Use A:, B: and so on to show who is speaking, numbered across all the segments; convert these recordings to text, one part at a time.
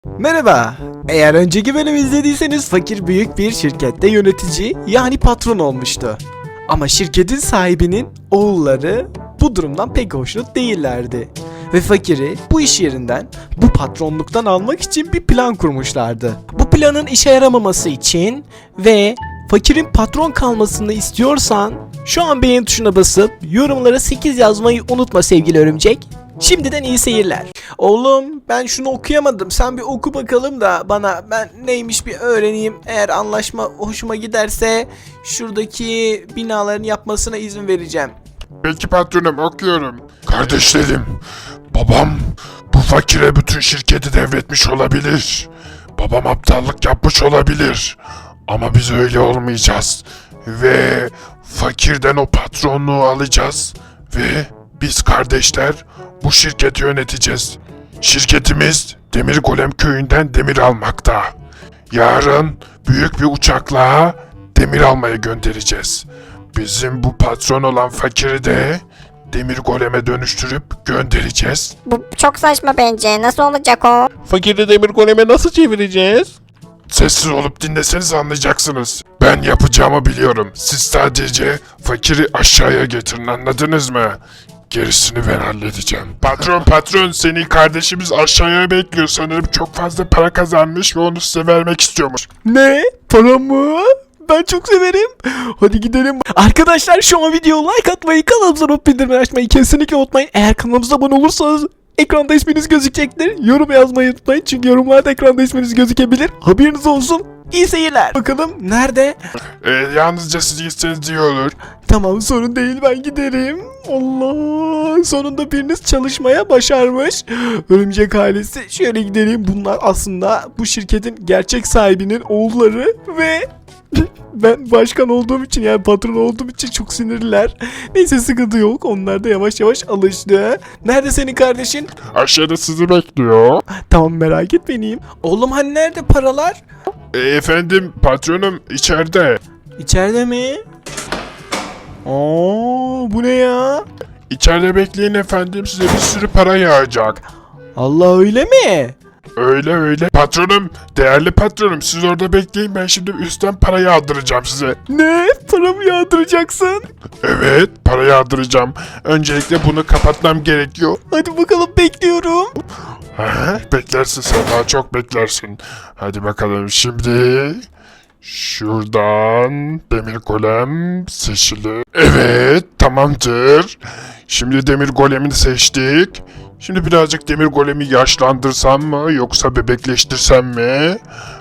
A: Merhaba. Eğer önceki bölümü izlediyseniz fakir büyük bir şirkette yönetici yani patron olmuştu. Ama şirketin sahibinin oğulları bu durumdan pek hoşnut değillerdi. Ve fakiri bu iş yerinden, bu patronluktan almak için bir plan kurmuşlardı. Bu planın işe yaramaması için ve fakirin patron kalmasını istiyorsan şu an beğen tuşuna basıp yorumlara 8 yazmayı unutma sevgili örümcek. Şimdiden iyi seyirler. Oğlum ben şunu okuyamadım. Sen bir oku bakalım da bana, ben neymiş bir öğreneyim. Eğer anlaşma hoşuma giderse şuradaki binaların yapmasına izin vereceğim.
B: Peki patronum, okuyorum. Kardeşlerim, babam bu fakire bütün şirketi devretmiş olabilir. Babam aptallık yapmış olabilir. Ama biz öyle olmayacağız. Ve fakirden o patronluğu alacağız. Ve biz kardeşler bu şirketi yöneteceğiz. Şirketimiz Demir Golem köyünden demir almakta. Yarın büyük bir uçakla demir almaya göndereceğiz. Bizim bu patron olan fakiri de Demir Golem'e dönüştürüp göndereceğiz.
C: Bu çok saçma bence. Nasıl olacak o?
D: Fakiri demir goleme nasıl çevireceğiz?
B: Sessiz olup dinleseniz anlayacaksınız. Ben yapacağımı biliyorum. Siz sadece fakiri aşağıya getirin, anladınız mı? Gerisini ben halledeceğim. Patron seni kardeşimiz aşağıya bekliyor. Sanırım çok fazla para kazanmış ve onu size vermek istiyormuş.
A: Ne? Para mı? Ben çok severim. Hadi gidelim. Arkadaşlar şu an videoya like atmayı, kanalımıza not bildirimleri açmayı kesinlikle unutmayın. Eğer kanalımıza abone olursanız ekranda isminiz gözükecektir. Yorum yazmayı unutmayın çünkü yorumlarda ekranda isminiz gözükebilir. Haberiniz olsun. İyi seyirler. Bakalım nerede?
B: Yalnızca siz gitseniz iyi olur.
A: Tamam, sorun değil, ben giderim. Allah, sonunda biriniz çalışmaya başarmış. Örümcek ailesi, şöyle gidelim. Bunlar aslında bu şirketin gerçek sahibinin oğulları ve ben başkan olduğum için, yani patron olduğum için çok sinirliler. Neyse, sıkıntı yok. Onlar da yavaş yavaş alıştı. Nerede senin kardeşin?
B: Aşağıda sizi bekliyor.
A: Tamam, merak etmeyin. Oğlum hani nerede paralar?
B: Efendim patronum içeride.
A: İçeride mi? Oo, bu ne ya?
B: İçeride bekleyin efendim, size bir sürü para yağacak.
A: Allah, öyle mi?
B: Öyle. Patronum, değerli patronum, siz orada bekleyin, ben şimdi üstten para yağdıracağım size.
A: Ne? Para mı yağdıracaksın?
B: Evet, para yağdıracağım. Öncelikle bunu kapatmam gerekiyor.
A: Hadi bakalım, bekliyorum.
B: Beklersin sen, daha çok beklersin. Hadi bakalım şimdi. Şuradan demir golem seçili. Evet, tamamdır. Şimdi demir golemini seçtik. Şimdi birazcık demir golemi yaşlandırsam mı yoksa bebekleştirsem mi?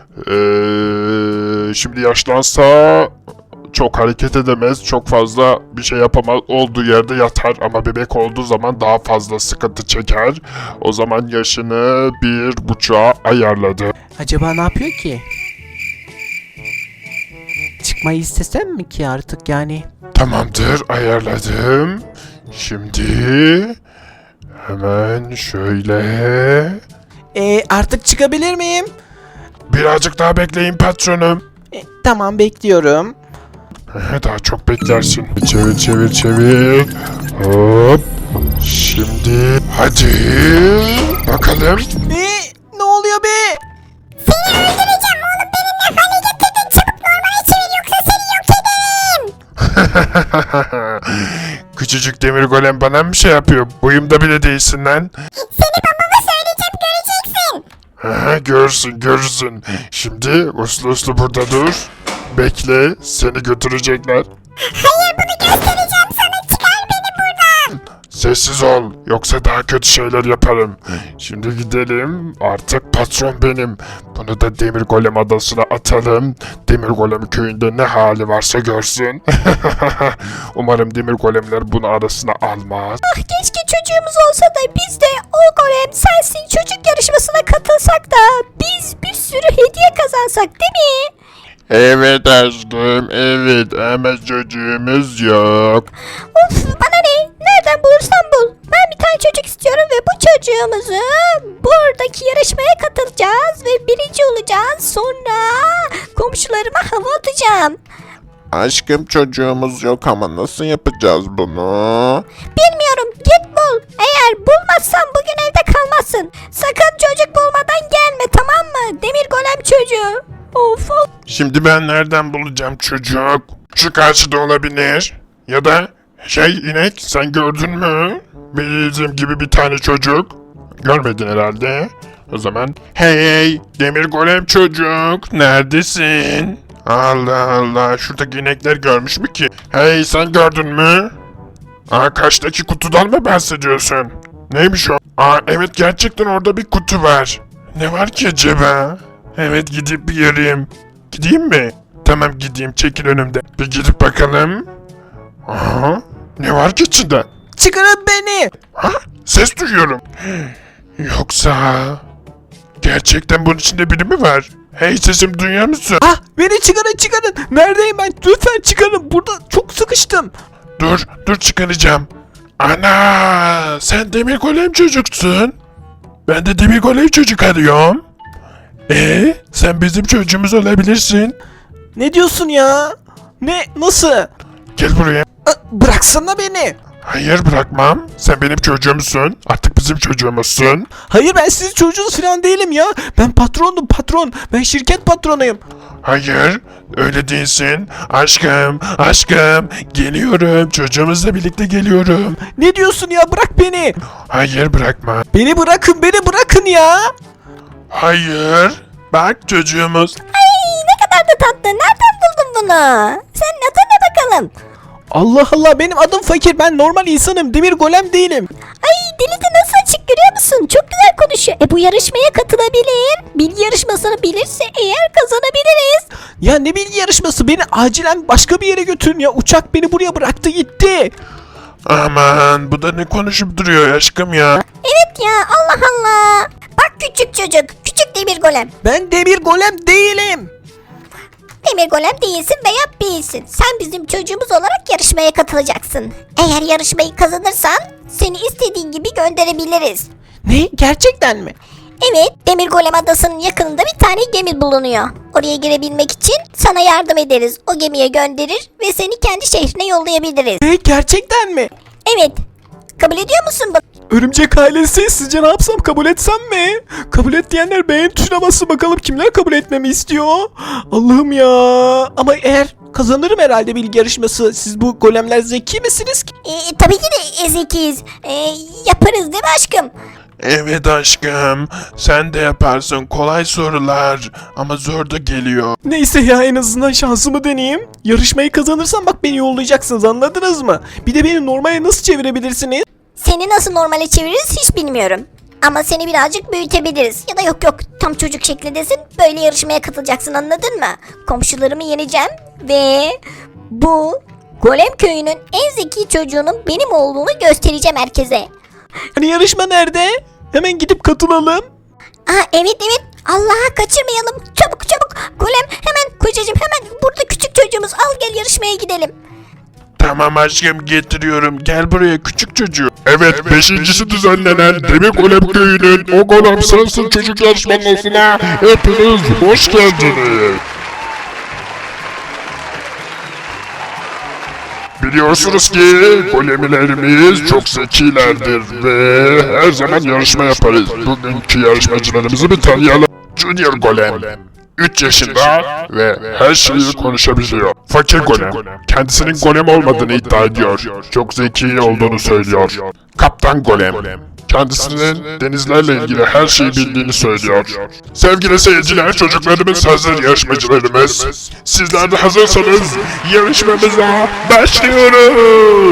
B: Şimdi yaşlansa çok hareket edemez, çok fazla bir şey yapamaz, olduğu yerde yatar, ama bebek olduğu zaman daha fazla sıkıntı çeker. O zaman yaşını 1,5'a ayarladı.
A: Acaba ne yapıyor ki? Çıkmayı istesem mi ki artık yani?
B: Tamamdır, ayarladım. Şimdi hemen şöyle.
A: Artık çıkabilir miyim?
B: Birazcık daha bekleyin patronum.
A: Tamam, bekliyorum.
B: Daha çok beklersin. Çevir. Hop. Şimdi hadi bakalım.
A: Ne oluyor be?
C: Seni öldüreceğim oğlum. Benimle hale getirdin. Çabuk normale çevir yoksa seni yok ederim.
B: Küçücük demir golem bana mı şey yapıyor? Boyumda bile değilsin lan.
C: Seni babama söyleyeceğim, göreceksin.
B: Görürsün. Şimdi uslu burada dur. Bekle, seni götürecekler.
C: Hayır, bunu göstereceğim sana. Çıkar beni buradan.
B: Sessiz ol, yoksa daha kötü şeyler yaparım. Şimdi gidelim, artık patron benim. Bunu da Demir Golem adasına atalım. Demir Golem köyünde ne hali varsa görsün. Umarım Demir Golemler bunu arasına almaz.
C: Ah, keşke çocuğumuz olsa da biz de o golem sensin çocuk yarışmasına katılsak da biz bir sürü hediye kazansak, değil mi?
B: Evet aşkım, evet, ama çocuğumuz yok.
C: Of, bana ne? Nereden bulursan bul. Ben bir tane çocuk istiyorum ve bu çocuğumuzu buradaki yarışmaya katılacağız ve birinci olacağız. Sonra komşularıma hava atacağım.
D: Aşkım çocuğumuz yok ama nasıl yapacağız bunu?
C: Bilmiyorum, git bul. Eğer Eğer bulmazsan bugün evde kalmazsın. Sakın çocuk bulmadan gelme, tamam mı? Demir golem çocuğu. Of of.
B: Şimdi ben nereden bulacağım çocuk? Şu karşıda olabilir. Ya da inek sen gördün mü? Bizim gibi bir tane çocuk. Görmedin herhalde. O zaman hey demir golem çocuk neredesin? Allah Allah şuradaki inekler görmüş mü ki? Hey sen gördün mü? Karşıdaki kutudan mı bahsediyorsun? Neymiş o? Evet gerçekten orada bir kutu var. Ne var ki acaba? Evet gidip bir yarayayım. Gideyim mi? Tamam gideyim çekil önümde. Bir gidip bakalım. Aha, ne var ki içinde?
A: Çıkarın beni.
B: Ha? Ses duyuyorum. Yoksa... Gerçekten bunun içinde biri mi var? Hey sesim duyuyor musun?
A: Ah, beni çıkarın. Neredeyim ben? Lütfen çıkarın. Burada çok sıkıştım.
B: Dur çıkaracağım. Ana sen demir golem çocuksun. Ben de demir golem çocuk arıyorum. Sen bizim çocuğumuz olabilirsin.
A: Ne diyorsun ya? Ne? Nasıl?
B: Gel buraya.
A: Bıraksana beni.
B: Hayır bırakmam. Sen benim çocuğumsun. Artık bizim çocuğumuzsun.
A: Hayır, ben sizin çocuğunuz falan değilim ya. Ben patronum, patron. Ben şirket patronuyum.
B: Hayır öyle değilsin. Aşkım geliyorum. Çocuğumuzla birlikte geliyorum.
A: Ne diyorsun ya? Bırak beni.
B: Hayır bırakma.
A: Beni bırakın ya.
B: Hayır. Bak çocuğumuz.
C: Ay ne kadar da tatlı. Nereden buldun bunu? Senin adın ne bakalım?
A: Allah Allah, benim adım Fakir. Ben normal insanım. Demir golem değilim.
C: Ay dili de nasıl açık, görüyor musun? Çok güzel konuşuyor. Bu yarışmaya katılabilir. Bilgi yarışmasını bilirse eğer kazanabiliriz.
A: Ya ne bilgi yarışması? Beni acilen başka bir yere götürün ya. Uçak beni buraya bıraktı gitti.
B: Aman bu da ne konuşup duruyor aşkım ya.
C: Evet ya, Allah Allah. Bak küçük çocuk. Küçük demir golem.
A: Ben demir golem değilim.
C: Demir golem değilsin veya değilsin. Sen bizim çocuğumuz olarak yarışmaya katılacaksın. Eğer yarışmayı kazanırsan seni istediğin gibi gönderebiliriz.
A: Ne? Gerçekten mi?
C: Evet, Demir Golem Adası'nın yakınında bir tane gemi bulunuyor. Oraya girebilmek için sana yardım ederiz. O gemiye gönderir ve seni kendi şehrine yollayabiliriz.
A: Ne? Gerçekten mi?
C: Evet, kabul ediyor musun bunu?
A: Örümcek ailesi, sizce ne yapsam, kabul etsem mi? Kabul et diyenler beğen tuşuna bassın bakalım kimler kabul etmemi istiyor. Allah'ım ya. Ama eğer kazanırım herhalde bilgi yarışması. Siz bu golemler zeki misiniz ki?
C: Tabii ki de zekiyiz. Yaparız değil mi aşkım?
B: Evet aşkım. Sen de yaparsın kolay sorular. Ama zor da geliyor.
A: Neyse ya, en azından şansımı deneyeyim. Yarışmayı kazanırsam bak beni yollayacaksınız, anladınız mı? Bir de beni normale nasıl çevirebilirsiniz?
C: Seni nasıl normale çeviririz hiç bilmiyorum. Ama seni birazcık büyütebiliriz. Ya da yok tam çocuk şeklindesin. Böyle yarışmaya katılacaksın, anladın mı? Komşularımı yeneceğim ve bu Golem köyünün en zeki çocuğunun benim olduğunu göstereceğim herkese.
A: Hani yarışma nerede? Hemen gidip katılalım.
C: Evet Allah'a kaçırmayalım. Çabuk Golem hemen kocacığım, hemen burada küçük çocuğumuz, al gel yarışmaya gidelim.
B: Tamam aşkım getiriyorum. Gel buraya küçük çocuğu. Evet, beşincisi düzenlenen Demir Golem Köyü'nün o golem sensin çocuk yarışmasına hepiniz hoş geldiniz. Biliyorsunuz ki golemlerimiz çok zekilerdir ve her zaman yarışma yaparız. Bugünkü yarışmacılarımızı bir tanıyalım. Junior Golem. 3 yaşında ve her şeyi konuşabiliyor. Fakir Golem, kendisinin golem olmadığını iddia ediyor. Çok zeki olduğunu söylüyor. Kaptan Golem, kendisinin denizlerle ilgili her şeyi bildiğini söylüyor. Sevgili seyirciler, çocuklarımız hazır, yarışmacılarımız. Sizler de hazırsanız yarışmamıza başlıyoruz.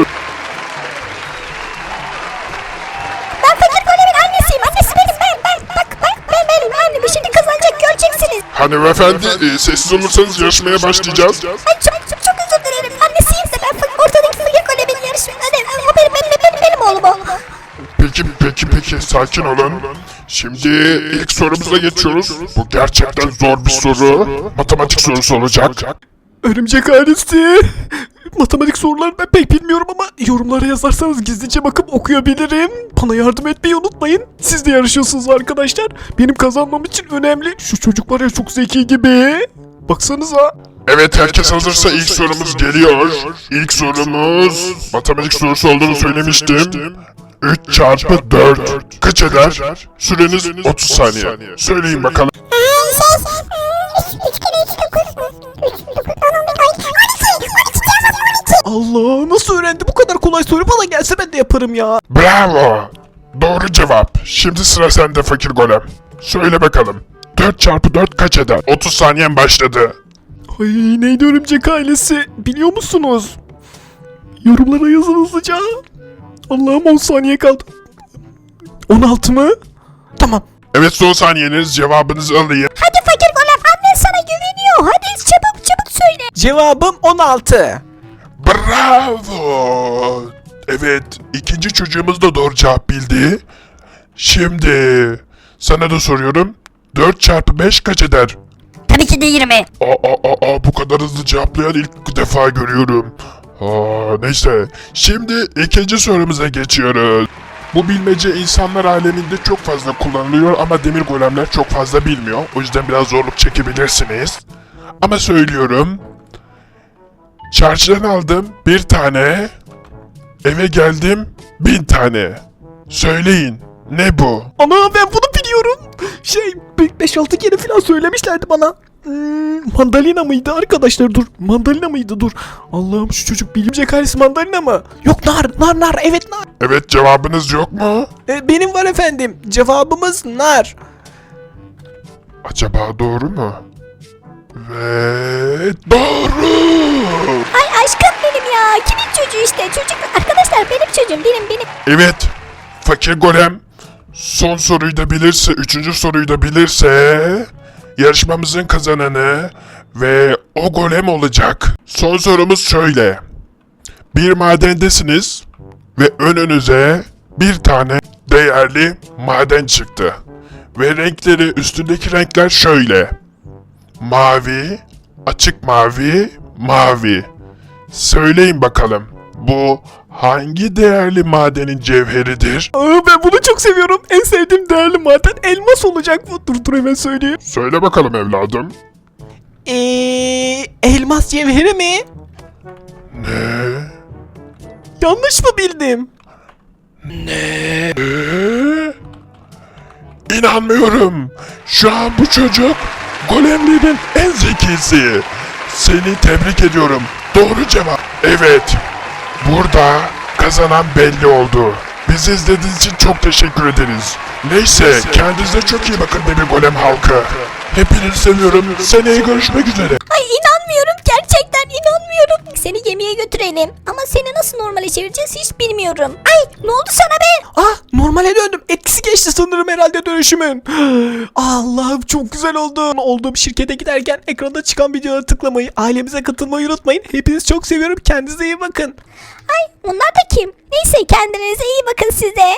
C: Ben Fakir Golem'in annesiyim. Annesi benim. Ben benim annem. Şimdi kazanacak, göreceksiniz.
B: Hanımefendi, sessiz olursanız yarışmaya başlayacağız.
C: Ay çok özür dilerim. Annesiyim de ben ortadaki Fakir Golem'in yarışmaya. O benim oğlum o.
B: Peki, sakin olun. Şimdi ilk sorumuza geçiyoruz. Bu gerçekten zor bir soru. Matematik sorusu olacak.
A: Örümcek ailesi. Matematik sorularını ben pek bilmiyorum ama yorumlara yazarsanız gizlice bakıp okuyabilirim. Bana yardım etmeyi unutmayın. Siz de yarışıyorsunuz arkadaşlar. Benim kazanmam için önemli. Şu çocuk var ya, çok zeki gibi. Baksanıza.
B: Evet, herkes hazırsa ilk sorumuz geliyor. İlk sorumuz matematik sorusu olduğunu söylemiştim. 3 çarpı 4 kaç eder? Süreniz 30 saniye. Söyleyin bakalım.
C: 3 kere 3 9. 3 9
A: Allah, nasıl öğrendi bu kadar kolay soru, bana gelse ben de yaparım ya.
B: Bravo. Doğru cevap. Şimdi sıra sende fakir golem. Söyle bakalım. 4 çarpı 4 kaç eder? 30 saniyen başladı.
A: Ay, neydi örümcek ailesi biliyor musunuz? Yorumlara yazın hızlıca. Allah'ım 10 saniye kaldı. 16 mı? Tamam.
B: Evet, son saniyeniz, cevabınızı alayım.
C: Hadi fakir golem, annen sana güveniyor. Hadi çabuk çabuk söyle.
A: Cevabım 16.
B: Bravo. Evet, ikinci çocuğumuz da doğru cevap bildi. Şimdi sana da soruyorum. 4 çarpı 5 kaç eder?
C: Tabii ki de 20.
B: Bu kadar hızlı cevaplayan ilk defa görüyorum. Neyse. Şimdi ikinci sorumuza geçiyoruz. Bu bilmece insanlar aleminde çok fazla kullanılıyor ama demir golemler çok fazla bilmiyor. O yüzden biraz zorluk çekebilirsiniz. Ama söylüyorum. Çarşıdan aldım bir tane. Eve geldim 1000 tane. Söyleyin, ne bu?
A: Ana, ben bunu biliyorum. 5-6 kere falan söylemişlerdi bana. Mandalina mıydı arkadaşlar, dur. Mandalina mıydı, dur. Allah'ım, şu çocuk bilimcek ailesi mandalina mı? Yok, nar, evet nar.
B: Evet, cevabınız yok mu?
A: Benim var efendim. Cevabımız nar.
B: Acaba doğru mu? Ve doğru.
C: Ay aşkım benim ya. Kimin çocuğu işte? Çocuk arkadaşlar, benim çocuğum, benim.
B: Evet, fakir golem son soruyu da bilirse, üçüncü soruyu da bilirse yarışmamızın kazananı ve o golem olacak. Son sorumuz şöyle. Bir madendesiniz ve önünüze bir tane değerli maden çıktı. Ve renkleri, üstündeki renkler şöyle. Mavi, açık mavi, mavi. Söyleyin bakalım, bu hangi değerli madenin cevheridir?
A: Ben bunu çok seviyorum. En sevdiğim değerli maden elmas olacak bu. Dur hemen söyleyeyim.
B: Söyle bakalım evladım.
A: Elmas cevheri mi?
B: Ne?
A: Yanlış mı bildim?
B: İnanmıyorum. Şu an bu çocuk golemlerin en zekisi. Seni tebrik ediyorum. Doğru cevap. Evet. Burada kazanan belli oldu. Bizi izlediğiniz için çok teşekkür ederiz. Neyse, kendinize çok iyi bakın Demir Golem halkı. Hepinizi seviyorum. Seneye görüşmek üzere.
C: Ay inanmıyorum, gerçekten inanmıyorum. Seni gemiye götürelim. Ama seni nasıl normale çevireceğiz hiç bilmiyorum. Ay ne oldu sana be?
A: Normale döndüm. Etkisi geçti sanırım herhalde dönüşümün. Allah'ım, çok güzel oldu. Olduğum şirkete giderken ekranda çıkan videolara tıklamayı, ailemize katılmayı unutmayın. Hepinizi çok seviyorum. Kendinize iyi bakın.
C: Ay onlar da kim? Neyse, kendinize iyi bakın siz de.